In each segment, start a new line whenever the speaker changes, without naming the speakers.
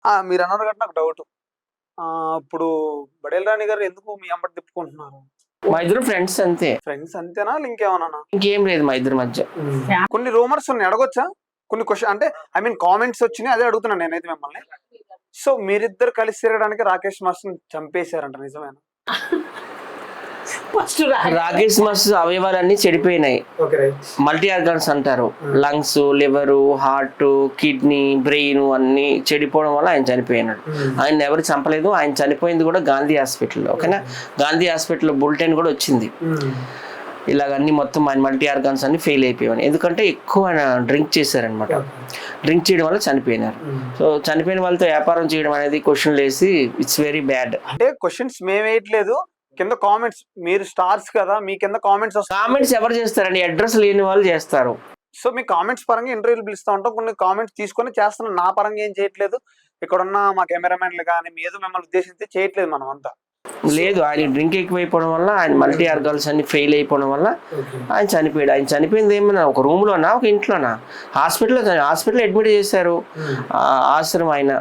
మీరు అన్నారు కాబట్టి నాకు డౌట్. ఇప్పుడు బడేల్ రాణి గారు ఎందుకు మీ అంబటి తిప్పుకుంటున్నారు?
మా ఇద్దరు ఫ్రెండ్స్ అంతే,
ఫ్రెండ్స్ అంతేనా ఇంకేమన్నా?
ఇంకేం లేదు మా ఇద్దరి మధ్య.
కొన్ని రూమర్స్ ఉన్నాయి, అడగొచ్చా? కొన్ని క్వశ్చన్ అంటే ఐ మీన్ కామెంట్స్ వచ్చినాయి, అదే అడుగుతున్నాను నేనైతే మిమ్మల్ని. సో మీరిద్దరు కలిసి తిరగడానికి రాకేష్ మాస్టర్ చంపేశారంట, నిజమేనా?
రాకేష్ మాస్టర్ అవయవాలన్నీ చెడిపోయినాయి. మల్టీ ఆర్గాన్స్ అంటారు, lungs, liver, heart, kidney, brain అన్ని చెడిపోవడం వల్ల ఆయన చనిపోయినాడు. ఆయన ఎవరు చంపలేదు, ఆయన చనిపోయింది కూడా గాంధీ హాస్పిటల్లో. ఓకేనా, గాంధీ హాస్పిటల్లో బులెటిన్ కూడా వచ్చింది, ఇలాగన్నీ మొత్తం ఆయన మల్టీ ఆర్గాన్స్ అన్ని ఫెయిల్ అయిపోయాయి. ఎందుకంటే ఎక్కువ డ్రింక్ చేశారనమాట, డ్రింక్ చేయడం వల్ల చనిపోయినారు. సో చనిపోయిన వాళ్ళతో వ్యాపారం చేయడం అనేది క్వశ్చన్లు వేసి ఇట్స్ వెరీ బ్యాడ్.
అంటే క్వశ్చన్స్ మేము వేయట్లేదు, కింద కామెంట్స్, మీరు స్టార్స్ కదా, మీ కింద కామెంట్స్ వస్తాయి.
కామెంట్స్ ఎవరు చేస్తారండి? అడ్రస్ లేని వాళ్ళు చేస్తారు.
సో మీ కామెంట్స్ పరంగా ఇంటర్వ్యూలు పిలుస్తూ ఉంటాం, కొన్ని కామెంట్స్ తీసుకొని చేస్తున్నాం. నా పరంగా ఏం చేయట్లేదు, ఇక్కడ ఉన్న మా కెమెరామెన్లు కానీ ఏదో మిమ్మల్ని ఉద్దేశించి చేయట్లేదు మనం అంతా.
లేదు, ఆయన డ్రింక్ ఎక్కువైపోవడం వల్ల, ఆయన మల్టీ ఆర్గాన్స్ అన్ని ఫెయిల్ అయిపోవడం వల్ల ఆయన చనిపోయాడు. ఆయన చనిపోయింది ఏమన్నా ఒక రూమ్లోనా, ఒక ఇంట్లోనా? హాస్పిటల్ అడ్మిట్ చేశారు. ఆశ్రమం ఆయన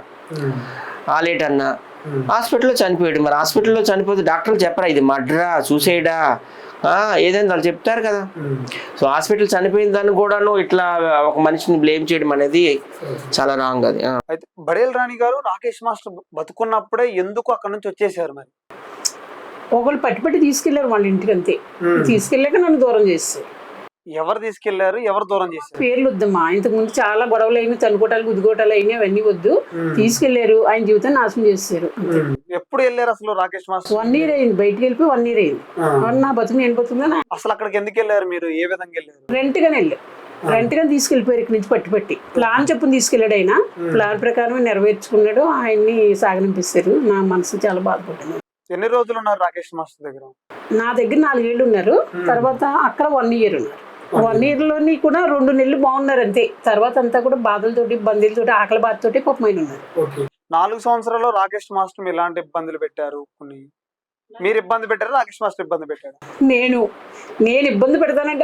ఆలేట్ అన్న హాస్పిటల్లో చనిపోయాడు. మరి హాస్పిటల్లో చనిపోతే డాక్టర్లు చెప్పరా ఇది మర్డరా, సూసైడా, ఏదైనా వాళ్ళు చెప్తారు కదా. సో హాస్పిటల్ చనిపోయిన దాన్ని కూడాను ఇట్లా ఒక మనిషిని బ్లేమ్ చేయడం అనేది చాలా రాంగ్. అది
అయితే బడేల్ రాణి గారు రాకేష్ మాస్టర్ బతుకున్నప్పుడే ఎందుకు అక్కడ నుంచి వచ్చేసారు? మరి
ఒకళ్ళు పట్టి తీసుకెళ్లారు వాళ్ళ ఇంటికి, అంతే. తీసుకెళ్ళాక నన్ను దూరం చేస్తారు.
ఎవరు తీసుకెళ్లారు, ఎవరు దూరం చేశారు?
పేర్లు వద్దమ్మా, ఇంతకు ముందు చాలా గొడవలు అయినాయి, తనుకోటాలు గుద్దుకోటాలు అయినాయి, అవన్నీ వద్దు. తీసుకెళ్లారు, ఆయన జీవితాన్ని నాశనం చేశారు.
ఎప్పుడు వెళ్ళారు అసలు రాకేష్ మాస్టర్?
1 year అయింది, బయటకు వెళ్ళిపోయి 1 year అయింది. నా బతుకు నేను బతుకున్నా.
అసలు అక్కడికి ఎందుకు వెళ్ళారు మీరు, ఏ విధంగా వెళ్ళారు?
రెంట్ గానే వెళ్ళారు, రెంట్ గా తీసుకెళ్లిపోయారు ఇక్కడ నుంచి పట్టి ప్లాన్ చెప్పుని తీసుకెళ్లాడు. ఆయన ప్లాన్ ప్రకారం నెరవేర్చుకున్నాడు, ఆయన్ని సాగనిపిస్తారు. నా మనసు చాలా బాధపడింది.
ఎన్ని రోజులు ఉన్నారు రాకేష్ మాస్టర్ దగ్గర?
నా దగ్గర 4 ఏళ్ళు ఉన్నారు, తర్వాత అక్కడ 1 year ఉన్నారు. 1 year లోని కూడా 2 నెలలు బాగున్నారు అంతే. తర్వాత అంతా కూడా బాధలతోటి, బందీలతోటి, ఆకలి బాధతోటి పాపమైన ఉన్నారు.
4 సంవత్సరాల్లో రాకేష్ మాస్టర్ ఎలాంటి ఇబ్బందులు పెట్టారు? కొన్ని మీరు ఇబ్బంది పెట్టారు, రాకేష్ మాస్టర్ ఇబ్బంది పెట్టారు?
నేను ఇబ్బంది పెడతానంటే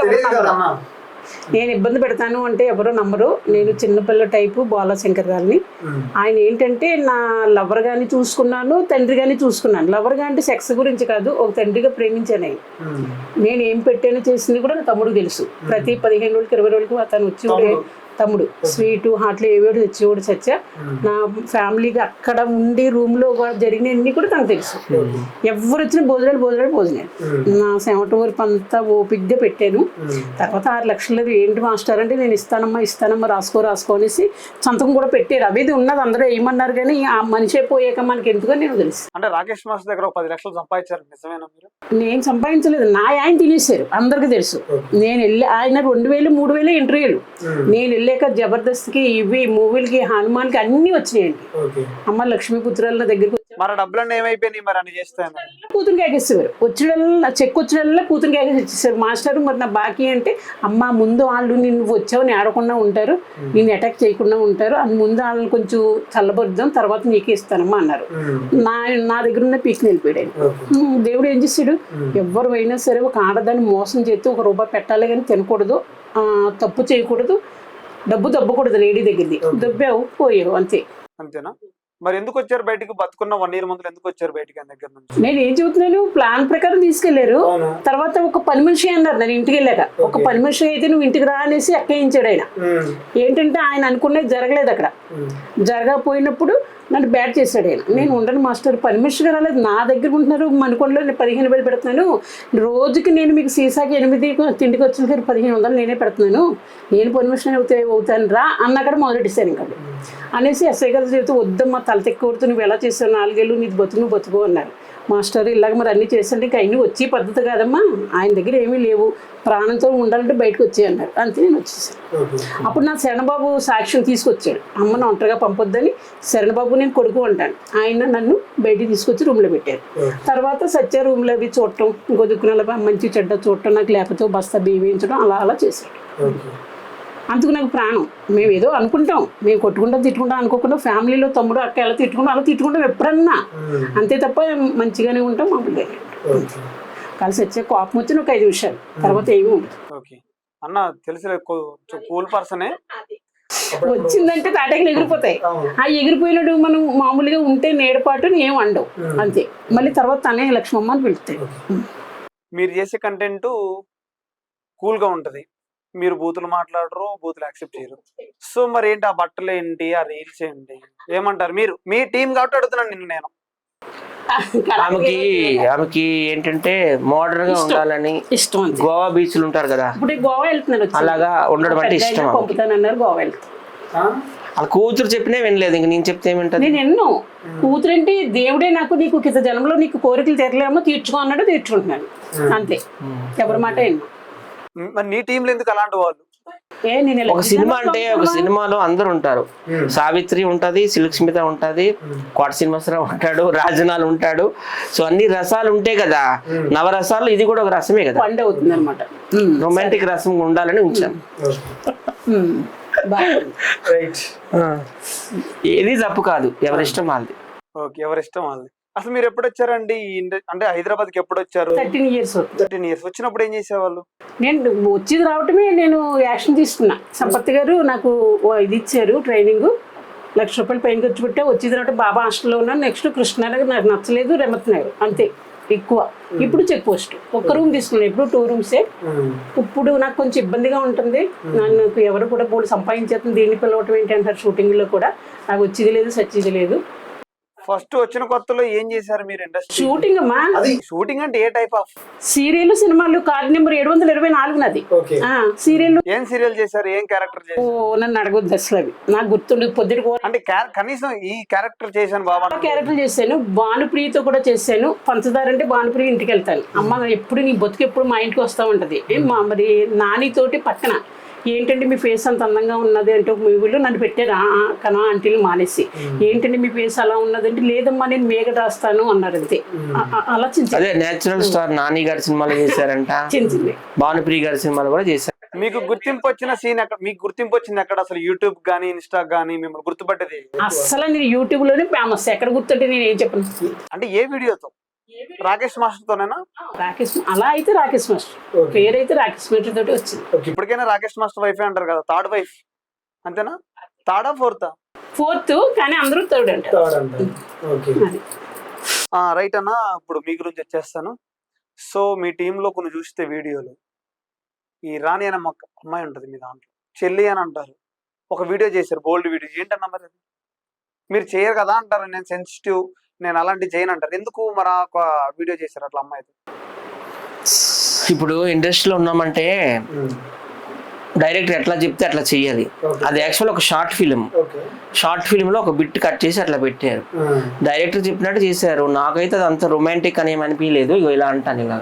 నేను ఇబ్బంది పెడతాను అంటే ఎవరో నమ్మరు. నేను చిన్నపిల్ల టైపు బాలశంకర్ గారిని. ఆయన ఏంటంటే నా లవర్ గాని చూసుకున్నాను, తండ్రి గాని చూసుకున్నాను. లవర్ గా అంటే సెక్స్ గురించి కాదు, ఒక తండ్రిగా ప్రేమించాను ఆయన. నేను ఏం పెట్టాను చేసింది కూడా నా తమ్ముడు తెలుసు. ప్రతి 15 రోజులకి 20 రోజులకి అతను వచ్చి తమ్ముడు స్వీటు హాట్లు ఏవేడు తెచ్చేవాడు. చచ్చా నా ఫ్యామిలీగా అక్కడ ఉండి రూమ్ లో జరిగినవన్నీ కూడా తనకు తెలుసు. ఎవరు వచ్చిన భోజనాలు నా సెమట వరకు అంతా ఓపిగ్గా పెట్టాను. తర్వాత 6 లక్షలు ఏంటి మాస్టర్ అంటే, నేను ఇస్తానమ్మా రాసుకో అనేసి సంతకం కూడా పెట్టారు. అవి ఉన్నది అందరూ ఏమన్నారు, కానీ ఆ మనిషి పోయాక మనకి ఎందుకని నేను తెలుసు.
అంటే రాకేష్ మాస్టర్ దగ్గర 10 లక్షలు సంపాదించారు, నిజమేనా? మీరు?
నేను సంపాదించలేదు, నా ఆయన తినేశారు, అందరికి తెలుసు. నేను వెళ్ళి ఆయన 2000 3000 ఇంటర్వ్యూలు, నేను వెళ్ళాక జబర్దస్త్కి, ఇవి మూవీలకి, హనుమాన్కి అన్ని వచ్చినాయండి. అమ్మ లక్ష్మీపుత్రాల దగ్గరికి
మరి డబ్బులన్నీ ఏమైపోయినాయి? మరి అని చేస్తాను
కూతురికి ఎగేసేవారు. వచ్చిన చెక్ వచ్చిన కూతురికి ఎగేసి ఇచ్చేసారు. మాస్టర్ మరి నా బాకీ అంటే, అమ్మ ముందు వాళ్ళు నిన్ను వచ్చావని ఆడకుండా ఉంటారు, నేను అటాక్ చేయకుండా ఉంటారు, అది ముందు వాళ్ళని కొంచెం చల్లబరుద్దాం, తర్వాత నీకే ఇస్తానమ్మా అన్నారు. నా దగ్గర ఉన్న పీక్ని వెళ్ళిపోయాడు. దేవుడు ఏం చేశాడు, ఎవరు అయినా సరే ఒక ఆడదాన్ని మోసం చేస్తే 1 రూపాయి పెట్టాలి కానీ తినకూడదు, తప్పు చేయకూడదు, డబ్బు దబ్బకూడదు. లేడీ దగ్గరది దబ్బావు పోయావు అంతే.
అంతేనా? మరి ఎందుకు వచ్చారు బయటకు? బతుకున్న 1 year ముందు ఎందుకు వచ్చారు బయటకి ఆయన దగ్గర నుంచి?
నేను ఏం చెబుతున్నాను, ప్లాన్ ప్రకారం తీసుకెళ్లారు. తర్వాత ఒక పని మనిషి అన్నారు నేను ఇంటికి వెళ్ళాక. ఒక పని మనిషి అయితే నువ్వు ఇంటికి రా అనేసి ఎక్కించాడు ఆయన. ఏంటంటే ఆయన అనుకునేది జరగలేదు అక్కడ. జరగకపోయినప్పుడు నన్ను బ్యాట్ చేశాడు ఆయన. నేను ఉండను మాస్టర్, పని మనిషిగా రాలేదు, నా దగ్గర ఉంటున్నారు మనుకొండలో, నేను 15,000 పెడుతున్నాను రోజుకి, నేను మీకు సీసాకి 8 తిండికి వచ్చిన 1500 నేనే పెడుతున్నాను, నేను పని మనిషిని అవుతాను రా అన్నక్కడ మొదలెట్టాను. ఇంకా అనేసి ఎస్ఐ గారు చెబుతూ, వద్దమ్మా తల తెక్కూడుతూ, నువ్వు ఎలా చేసావు, 4 ఏళ్ళు నీది నువ్వు బతుకు అన్నారు. మాస్టర్ ఇలాగ మరి అన్నీ చేస్తుంటే ఇంకా అన్నీ వచ్చి పద్ధతి కాదమ్మా, ఆయన దగ్గర ఏమీ లేవు, ప్రాణంతో ఉండాలంటే బయటకు వచ్చాయి అన్నారు. అంతే నేను వచ్చేసాను. అప్పుడు నా శరణబాబు సాక్ష్యం తీసుకొచ్చాడు, అమ్మను ఒంటరిగా పంపొద్దని. శరణబాబు నేను కొడుకు అంటాను, ఆయన నన్ను బయటికి తీసుకొచ్చి రూమ్లో పెట్టారు. తర్వాత సత్య రూమ్లో అవి చూడటం, ఇంకో దుక్కున మంచి చెడ్డ చూడటం, నాకు లేకపోతే బస్తా బియ్యించడం అలా చేశాడు. అందుకు నాకు ప్రాణం. మేము ఏదో అనుకుంటాం, మేము కొట్టుకుంటాం తిట్టుకుంటాం అనుకోకుండా, ఫ్యామిలీలో తమ్ముడు అక్క ఎలా అలా తిట్టుకుంటాం ఎప్పుడన్నా, అంతే తప్ప మంచిగానే ఉంటాం. మామూలుగా కలిసి వచ్చే కోపం వచ్చిన ఒక 5 నిమిషాలు, తర్వాత ఏమీ ఉండదు.
అన్న తెలిసి కూల్ పర్సనే,
వచ్చిందంటే తాటాకులు ఎగిరిపోతాయి. ఆ ఎగిరిపోయినట్టు మనం మామూలుగా ఉంటే నీడపాటు ఏం వండవు అంతే. మళ్ళీ తర్వాత తనే లక్ష్మమ్మ అని పిలుస్తాయి.
మీరు చేసే కంటెంట్ కూల్ గా ఉంటది, మీరు బూతులు మాట్లాడరు, బూతులు యాక్సెప్ట్ చేయరు. సో మరి ఏంటి ఆ బట్టలు ఏంటి, ఆ రీల్స్ ఏంటి, ఏమంటారు? మీరు మీ టీం కాబట్టి అడుగుతున్నాను నిన్ను నేను.
ఆమెకి ఏంటంటే మోడర్న్ గా ఉండాలని
ఇష్టం అంతే.
గోవా బీచ్లు ఉంటారు కదా,
ఇప్పుడు గోవా వెళ్తున్నారు,
అలాగా ఉండడం అంటే ఇష్టం.
పంపుతానన్నారు, గోవా వెళ్తాను.
వాళ్ళ కూతురు చెప్పినా వినలేదు, ఇంక నేను చెప్తే ఏమింటది.
నేను ఎన్నో కూతురంటే దేవుడే నాకు నీకు కింద జన్మలో నీకు కోరికలు తీరలేమో తీర్చుకో అన్నాడు, తీర్చుకుంటున్నాను అంతే. ఎవరి మాట ఎన్నో.
మరి నీ టీంలో ఎందుకు అలాంటి వాళ్ళు?
ఒక సినిమా అంటే ఒక సినిమాలో అందరు ఉంటారు. సావిత్రి ఉంటది, సిల్క్ స్మిత ఉంటది, కోట శ్రీనివాసరావు ఉంటాడు, రాజనాల్ ఉంటాడు. సో అన్ని రసాలు ఉంటాయి కదా, నవరసాలు ఇది కూడా ఒక రసమే కదా,
పండు అవుతుంది అనమాట.
రొమాంటిక్ రసం ఉండాలని ఉంచాను. ఏది తప్పు కాదు, ఎవరిష్టం వాళ్ళది.
ఓకే, ఎవరిష్టం వాళ్ళది. అసలు మీరు ఎప్పుడు వచ్చారండి అంటే హైదరాబాద్ కి ఎప్పుడు వచ్చారు?
13 years.
13 years. వచ్చినప్పుడు ఏం చేసేవాళ్ళు?
నేను వచ్చేది రావటమే నేను యాక్షన్ తీసుకున్నా. సంపత్ గారు నాకు ఇది ఇచ్చారు ట్రైనింగ్, ₹1,00,000 పైన ఖర్చు పెట్టా. వచ్చేది రావటం బాబా హాస్టల్లో ఉన్నాను. నెక్స్ట్ కృష్ణానగర్ నాకు నచ్చలేదు, రెమత్ నగర్ అంతే ఎక్కువ. ఇప్పుడు చెక్ పోస్ట్ ఒక్క రూమ్ తీసుకున్నాను, ఇప్పుడు 2 rooms. ఇప్పుడు నాకు కొంచెం ఇబ్బందిగా ఉంటుంది. నాకు ఎవరు కూడా బోర్డు సంపాదించేస్తుంది, దీన్ని పిలవటం ఏంటి అంటారు. షూటింగ్లో కూడా నాకు వచ్చేది లేదు, సచ్చేది లేదు.
ఫస్ట్ వచ్చిన కొత్తలో ఏం చేశారు మీరు ఇండస్ట్రీ?
షూటింగ్ అమ్మా.
షూటింగ్ అంటే ఏ టైప్ ఆఫ్?
సీరియల్, సినిమాలు. కార్డు నెంబర్ 724 నాది. సీరియల్.
ఏం సీరియల్ చేశారు, ఏం క్యారెక్టర్ చేశారు?
నన్ను అడగొద్దు అసలు, అవి నాకు గుర్తుండదు. పొద్దుటి
అంటే కనీసం ఈ క్యారెక్టర్ చేశాను బాబా.
క్యారెక్టర్ చేశాను, భానుప్రియతో కూడా చేశాను. పంచదార అంటే భానుప్రియ ఇంటికి వెళ్తాను. అమ్మ ఎప్పుడు నీ బతుకు ఎప్పుడు మా ఇంటికి వస్తూ ఉంటది. మరి నానితోటి పక్కన ఏంటంటే మీ ఫేస్ అంత అందంగా ఉన్నది అంటే ఒక మూవీలో నన్ను పెట్టారు కనా ఆంటీలు మానేసి. ఏంటంటే మీ ఫేస్ అలా ఉన్నది అంటే లేదమ్మా నేను మేఘ రాస్తాను అన్నారు అంతే. అలా చిన్న
అదే నేచురల్ స్టార్ నాని గారి సినిమాలో చేశారంట,
చిన్న
భానుప్రియ గారి సినిమాలో కూడా చేశారు.
మీకు గుర్తింపు వచ్చిన సీన్ ఎక్కడ? మీకు గుర్తింపు వచ్చింది ఎక్కడ? అసలు యూట్యూబ్ గానీ ఇన్స్టా గానీ మిమ్మల్ని గుర్తుపట్టేది?
అసలు నేను యూట్యూబ్ లోనే ఫేమస్. ఎక్కడ గుర్తుంటే నేను ఏం చెప్పను.
అంటే ఏ వీడియోతో? రాకేష్ మాస్టర్ తోనేనా?
రాకేష్ అలా అయితే రాకేష్ మాస్టర్ పేరైతే రాకేష్ మాస్టర్ తోటి వచ్చింది.
ఇప్పటికైనా రాకేష్ మాస్టర్ వైఫ్ అంటారు కదా, థర్డ్ వైఫ్ అంతేనా? థర్డా ఫోర్తా?
4th, కానీ అందరూ 3rd అంటారు.
రైట్ అన్న. ఇప్పుడు మీ గురించి వచ్చేస్తాను. సో మీ టీంలో కొన్ని చూస్తే వీడియోలు, ఈ రాణి అనే అమ్మాయి ఉంటుంది మీ దాంట్లో, చెల్లి అని అంటారు. ఒక వీడియో చేశారు, బోల్డ్ వీడియో. ఏంటన్నా మరి అది? మీరు చేయరు కదా అంటారు, నేను సెన్సిటివ్, నేను అలాంటి చేయను అంటారు. ఎందుకు మరి ఒక వీడియో చేశారు అట్లా అమ్మాయితో?
ఇప్పుడు ఇండస్ట్రీలో ఉన్నామంటే డైరెక్టర్ ఎట్లా చెప్తే అట్లా చెయ్యాలి. అది యాక్చువల్ ఒక షార్ట్ ఫిల్మ్ లో ఒక బిట్ కట్ చేసి అట్లా పెట్టారు. డైరెక్టర్ చెప్పినట్టు చేశారు. నాకైతే అది అంత రొమాంటిక్ అని ఏమనిపించలేదు. ఇగో ఇలా అంటాను, ఇలా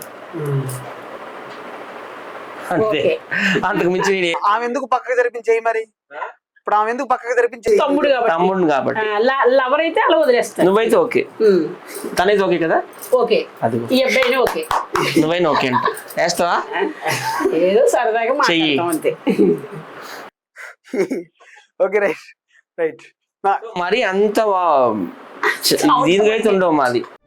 అంతే. అంతకు మించి
ఆమె ఎందుకు పక్కకి జరిపించేయి మరి? ఇప్పుడు ఆమె ఎందుకు పక్కకి జరిపించేయి?
తమ్ముడు కాబట్టి.
లవర్ అయితే అలా వదిలేస్తాను.
నువ్వైతే ఓకే, తనైతే ఓకే కదా?
ఓకే,
అది
ఈ అబ్బాయిని ఓకే,
నువ్వైనా ఓకే అంట. వేస్తావా?
ఏదో సరదాగా మాట్లాడతాం అంతే.
Okay, right right.
మరి అంత దీనికైతే ఉండవు మాది.